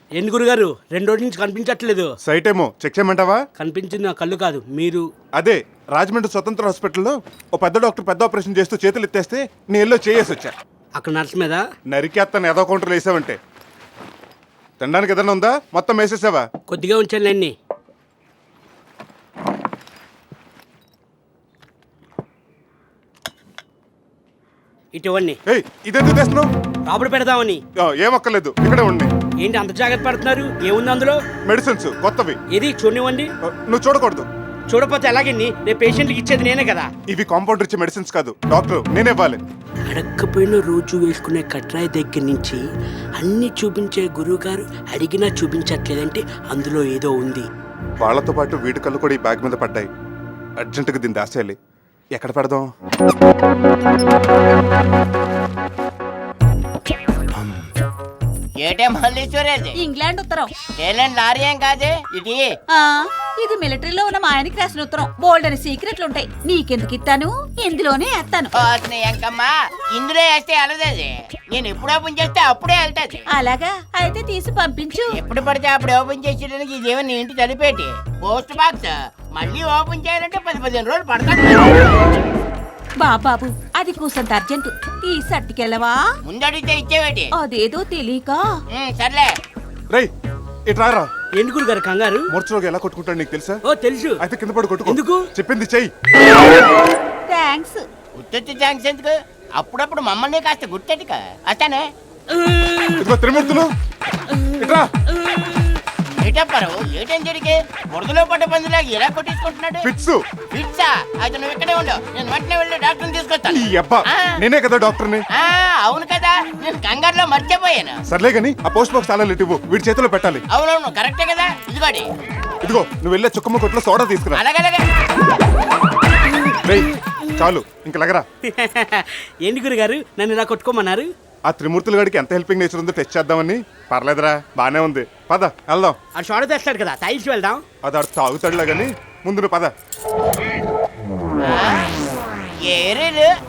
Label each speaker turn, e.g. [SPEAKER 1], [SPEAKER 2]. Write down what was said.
[SPEAKER 1] ఏంటి గురుగారు 2 రోజుల నుంచి కనిపించట్లేదు.
[SPEAKER 2] సైట్ ఏమో చెక్ చేయమంటావా?
[SPEAKER 1] కనిపించింది నా కళ్ళు కాదు మీరు.
[SPEAKER 2] అదే రాజమండ్రి స్వతంత్ర హాస్పిటల్లో ఓ పెద్ద డాక్టర్ పెద్ద ఆపరేషన్ చేస్తూ చేతులు ఎత్తేస్తే నేను చేసి వచ్చా.
[SPEAKER 1] అక్కడ నర్స్ మీద
[SPEAKER 2] నరికేత్తను ఏదో కౌంటర్లు వేసావంటే. తినడానికి ఏదైనా ఉందా? మొత్తం వేసేసావా?
[SPEAKER 1] కొద్దిగా ఉంచాను అన్ని. ఇటువంటి
[SPEAKER 2] ఏయ్ ఇదెందుకు తెస్తున్నావు?
[SPEAKER 1] రాబడి పెడదామని.
[SPEAKER 2] ఏమక్కర్లేదు, ఇక్కడే ఉండి.
[SPEAKER 1] ఏంటి అంత జాగ్రత్త పడుతున్నారు? ఏముంది అందులో?
[SPEAKER 2] మెడిసిన్స్ కొత్తవి.
[SPEAKER 1] ఏది చూడనివ్వండి.
[SPEAKER 2] నువ్వు చూడకూడదు.
[SPEAKER 1] చూడపోతే ఎలాగండి? రేపు పేషెంట్కి ఇచ్చేది నేనే కదా.
[SPEAKER 2] ఇవి కాంపౌండర్ ఇచ్చే మెడిసిన్స్ కాదు, డాక్టర్ నేనే ఇవ్వాలి.
[SPEAKER 1] అడగకపోయిన రోజు వేసుకునే కట్రాయి దగ్గర నుంచి అన్ని చూపించే గురువుగారు అడిగినా చూపించట్లేదంటే అందులో ఏదో ఉంది.
[SPEAKER 2] వాళ్ళతో పాటు వీడి కళ్ళు కూడా ఈ బ్యాగ్ మీద పడ్డాయి. అర్జెంటుగా దీన్ని దాచేయాలి. ఎక్కడ పెడదాం?
[SPEAKER 3] ఏటే మల్లీశ్వరేది?
[SPEAKER 4] ఇంగ్లాండ్ ఉత్తరం.
[SPEAKER 3] ఏలేండి లారీ ఏం కాదే ఇది.
[SPEAKER 4] ఆ ఇది మిలిటరీలో ఉన్న మా ఆయనకి రాసిన ఉత్తరం. బోల్డ్ అని సీక్రెట్లు ఉంటాయి. నీకెందుకు ఇస్తాను? ఇందులోనే వేస్తాను.
[SPEAKER 3] ఎంకమ్మా ఇందులో వేస్తే వెళ్ళదేది. నేను ఎప్పుడు ఓపెన్ చేస్తే అప్పుడే వెళ్తాది.
[SPEAKER 4] అలాగా అయితే తీసి పంపించు.
[SPEAKER 3] ఎప్పుడు పడితే అప్పుడు ఓపెన్ చేసేయడానికి ఇదేమన్నా ఇంటి తలిపేటి పోస్ట్ బాక్స్. మళ్ళీ ఓపెన్ చేయాలంటే 10-15 రోజులు పడతాను.
[SPEAKER 4] బాబాబు అది కూసంత అర్జెంటు. తీసి అట్టుకెళ్ళవా?
[SPEAKER 3] ముందడిగితే ఇచ్చేవేటి?
[SPEAKER 4] అదేదో తెలియక.
[SPEAKER 3] సర్లే
[SPEAKER 2] రేయ్ ఇట్రారా.
[SPEAKER 1] ఏంటి గురుగారు కంగారు?
[SPEAKER 2] మూర్చలోకి ఎలా కొట్టుకుంటాడు నీకు తెలుసా?
[SPEAKER 1] ఓ తెలుసు.
[SPEAKER 2] అయితే కింద పడి కొట్టుకో.
[SPEAKER 1] ఎందుకు?
[SPEAKER 2] చెప్పింది చెయ్యి.
[SPEAKER 4] థ్యాంక్స్.
[SPEAKER 3] గుర్తొచ్చి థ్యాంక్స్ ఎందుకు? అప్పుడప్పుడు మమ్మల్ని కాస్త గుర్తెట్టుక అతనే.
[SPEAKER 2] ఇదిగో త్రిమూర్తులు ఇట్రా.
[SPEAKER 3] ఏటప్పారు ఏటేం జరిగే? బురదలో పడ్డ పందిలాగా ఎలా కొట్టించుకుంటున్నాడు?
[SPEAKER 2] ఫిట్స్.
[SPEAKER 3] ఫిట్సా? అయితే నువ్వు ఇక్కడే ఉండు, నేను వెంటనే వెళ్ళి డాక్టర్ని తీసుకొస్తాను.
[SPEAKER 2] ఈ అబ్బా నేనే కదా డాక్టర్ని.
[SPEAKER 3] అవును కదా, నేను కంగారులో మర్చిపోయాను.
[SPEAKER 2] సర్లే గాని ఆ పోస్ట్ బాక్స్ తాళాలు ఇవ్వు, వీడి చేతిలో పెట్టాలి.
[SPEAKER 3] అవునవును కరెక్టే కదా. ఇదిగోడి.
[SPEAKER 2] ఇదిగో నువ్వు వెళ్ళే చుక్కమ్మ కొట్లో సోడా తీసుకురా.
[SPEAKER 3] అలాగలాగే.
[SPEAKER 2] రేయ్ చాలు ఇంక లగరా.
[SPEAKER 1] ఏంటి గురుగారు నన్ను ఇలా కొట్టుకోమన్నారు?
[SPEAKER 2] ఆ త్రిమూర్తుల గాడికి ఎంత హెల్పింగ్ నేచర్ ఉందో టెస్ట్ చేద్దామని. పర్లేదురా బానే ఉంది, పద వెళ్దాం.
[SPEAKER 1] ఆ షోడ తెస్తాడు కదా, తాగిసి వెళ్దాం.
[SPEAKER 2] అది ఆడు తాగుతాడులా గాని ముందు నువ్వు పద.
[SPEAKER 3] ఏరీలు